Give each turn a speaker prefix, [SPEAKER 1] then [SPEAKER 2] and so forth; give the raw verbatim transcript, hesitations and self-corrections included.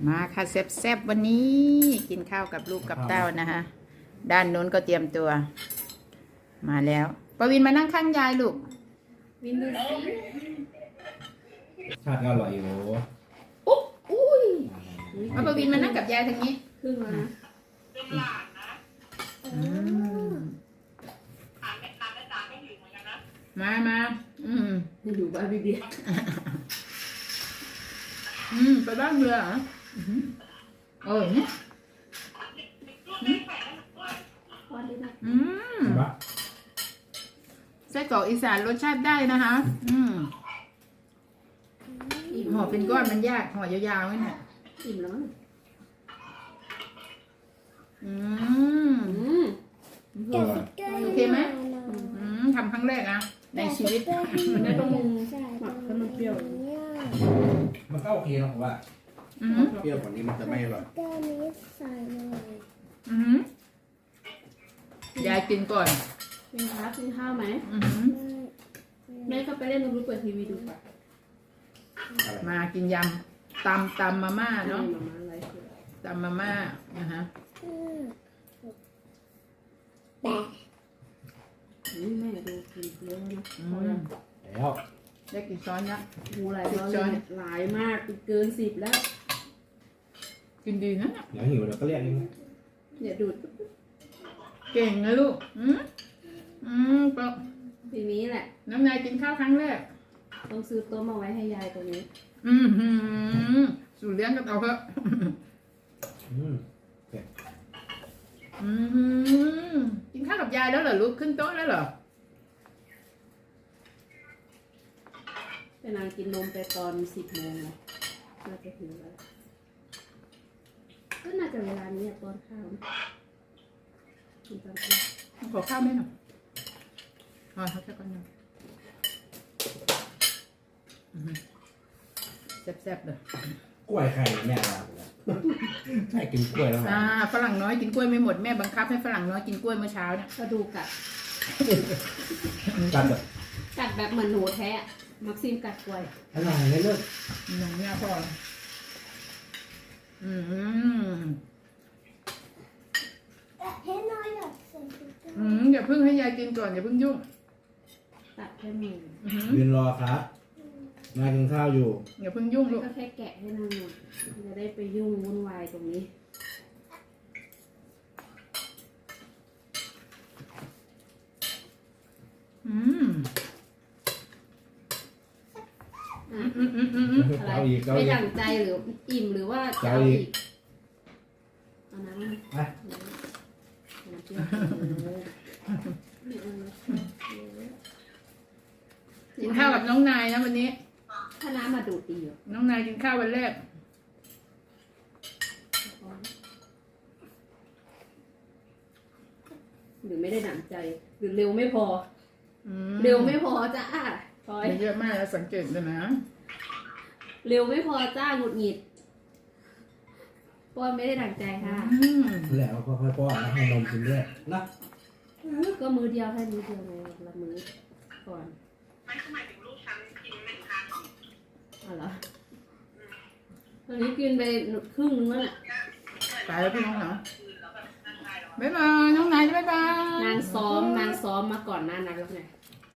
[SPEAKER 1] มาค่ะแซ่บๆวันนี้กินข้าวกับลูกกับเต้านะคะด้านโน้นก็เตรียมตัว มาแล้วปวินมานั่งข้างยายลูก
[SPEAKER 2] วินดูสิ
[SPEAKER 3] ชาติก็อร่อยอยู่
[SPEAKER 1] อุ๊บอุ้ยเอาปวินมานั่งกับยายทางนี้
[SPEAKER 2] ครึ่งแล้วนะ
[SPEAKER 1] อืมมามาอืม
[SPEAKER 2] อยู่บ้านพี่เบียร์
[SPEAKER 1] อืมไปบ้านเรือเหรออืมเออเนี่ย
[SPEAKER 2] วันนี้นะ
[SPEAKER 1] อืม
[SPEAKER 3] เห็นปะ
[SPEAKER 1] ไส้กรอกอีสานรสชาติได้นะคะ อืม
[SPEAKER 2] อิ่ม
[SPEAKER 1] ห่อเป็นก้อนมันยากห่อยาวๆนี่แหละ
[SPEAKER 2] อิ่มแล้วมั้ง
[SPEAKER 1] อืม
[SPEAKER 2] อืม
[SPEAKER 3] อร่อย
[SPEAKER 1] โอเคไหมอืมทำครั้งแรกนะในชีวิต
[SPEAKER 2] แม่ต้องหมักให้มันเปรี้ยว
[SPEAKER 3] มันก็โอเคนะผมว่า
[SPEAKER 1] อืม
[SPEAKER 3] เปรี้ยวกว่านี้มันจะไม่อร่อย
[SPEAKER 4] แก้วนี้ใส่หน่อย
[SPEAKER 1] อืมยายกินก่อน
[SPEAKER 2] กินข้าวกินข้าวไหม
[SPEAKER 1] อืม
[SPEAKER 2] แม่ก็ไปเล่นดูเปิดทีวีดูป่ะ
[SPEAKER 3] อะไร
[SPEAKER 1] มากินยำตำตำมาม่าเนาะ
[SPEAKER 2] มาม่าอะไรคือ
[SPEAKER 1] ตำมาม่านะฮะ
[SPEAKER 4] อืมแปะ
[SPEAKER 2] นี่แม่ดูกินเยอะนะ
[SPEAKER 1] อื
[SPEAKER 2] พอ
[SPEAKER 1] ม
[SPEAKER 2] แล้ว
[SPEAKER 3] แล้ว
[SPEAKER 1] ได้กี่ช้อนนะ
[SPEAKER 2] หูหลายร้อยหลายมากเกินสิบแล้ว
[SPEAKER 1] กินดีนะ
[SPEAKER 3] เดี๋ยวหิวเดี๋ยวก็เรียกเอง
[SPEAKER 2] เนี่ยดูด
[SPEAKER 1] เก่งนะลูกอืมอืมปะ
[SPEAKER 2] ทีนี้แหละ
[SPEAKER 1] น้ำนายกินข้าวครั้งแรก
[SPEAKER 2] ต้องซื้อโต๊ะมาไว้ให้ยายตรงนี้
[SPEAKER 1] อืมหืมสูตรเลี้ยงกันเอาเถอะ
[SPEAKER 3] อืม
[SPEAKER 1] อืมกินข้าวกับยายแล้วเหรอลูกขึ้นโต๊ะแล้วเหรอ
[SPEAKER 2] ไปนางกินนมไปตอนสิบโมงนะน่าจะถึงแล้วก็น่าจะเวลานี้อะตอนข้าวกินตอนข้าว
[SPEAKER 1] ขอข้าวไหมหน่อยอ๋อเขาจะก่อนหน่อยอืมแซ่บๆเลย
[SPEAKER 3] กล้วยไข่แม่เราเลยใช่กินกล้วยแล้วไง
[SPEAKER 1] อ่าฝรั่งน้อยกินกล้วยไม่หมดแม่บังคับให้ฝรั่งน้อยกินกล้วยเมื่อเช้าเนี่ย
[SPEAKER 2] กระดูกกัด
[SPEAKER 3] กันแบบ
[SPEAKER 2] กัดแบบเหมือนหนูแท้อะมักซิมกัดกล้วย
[SPEAKER 3] อร่อยเลยเลิศ
[SPEAKER 1] หนังเนี่ยพ่ออืม
[SPEAKER 4] แปะให้น้อยหน่อยใส่ถุงเท้า
[SPEAKER 1] อืมอย่าเพิ่งให้ยายกินก่อนอย่าเพิ่งยุ่ง
[SPEAKER 2] ตัดแค่มือ
[SPEAKER 1] อืม
[SPEAKER 3] ยืนรอครับมากินข้าวอยู่
[SPEAKER 1] อย่าเพิ่งยุ่งลูก
[SPEAKER 2] ก็แค่แกะให้นางหน่อยจะได้ไปยุ่งวุ่นวายตรงนี้
[SPEAKER 1] อืม
[SPEAKER 2] อ่ะ
[SPEAKER 1] อืมอืมอืมอืม
[SPEAKER 2] อะไร
[SPEAKER 3] เอาอีกเอา
[SPEAKER 2] ไม่
[SPEAKER 3] อีก
[SPEAKER 2] ดั่งใจหรืออิ่มหรือว่าจะ
[SPEAKER 3] เอา
[SPEAKER 2] เอา
[SPEAKER 3] อี
[SPEAKER 2] อี
[SPEAKER 3] ก
[SPEAKER 2] กเอาน้ำมา
[SPEAKER 3] ไป
[SPEAKER 2] น้ำเปรี้ยวไม่เอานะ
[SPEAKER 1] กินข้าวกับน้องนายนะวันนี้
[SPEAKER 2] ถ้าน้ำมาดูดดีอยู่
[SPEAKER 1] น้องนายกินข้าววันแรก
[SPEAKER 2] หรือไม่ได้ดั่งใจ หรือเร็วไม่พอ
[SPEAKER 1] อืม
[SPEAKER 2] เร็วไม่พอจ้าพลอย
[SPEAKER 1] มันเยอะมากแล้วสังเกตเลยนะ
[SPEAKER 2] เร็วไม่พอจ้าหงุดหงิดป้อนไม่ได้ดั่งใจค่ะ
[SPEAKER 1] อืม
[SPEAKER 3] แล้วก็ค่อยๆป้อนแล้วให้นมกินด้วยนะ
[SPEAKER 2] ก็มือเดียวให้มือเดียวไงละมือก่อน
[SPEAKER 5] ไม่หมายถึงลูกฉันกินหนึ่งครั้ง
[SPEAKER 2] อ๋อเหรอตอนนี้กินไปครึ่งนึงแล้วน่ะ
[SPEAKER 1] ตายแล้วพี่น้องเหรอบ๊ายบายน้องนายบ๊ายบาย
[SPEAKER 2] นางซ้อมนางซ้อมมาก่อนหน้านั้นแล้วไง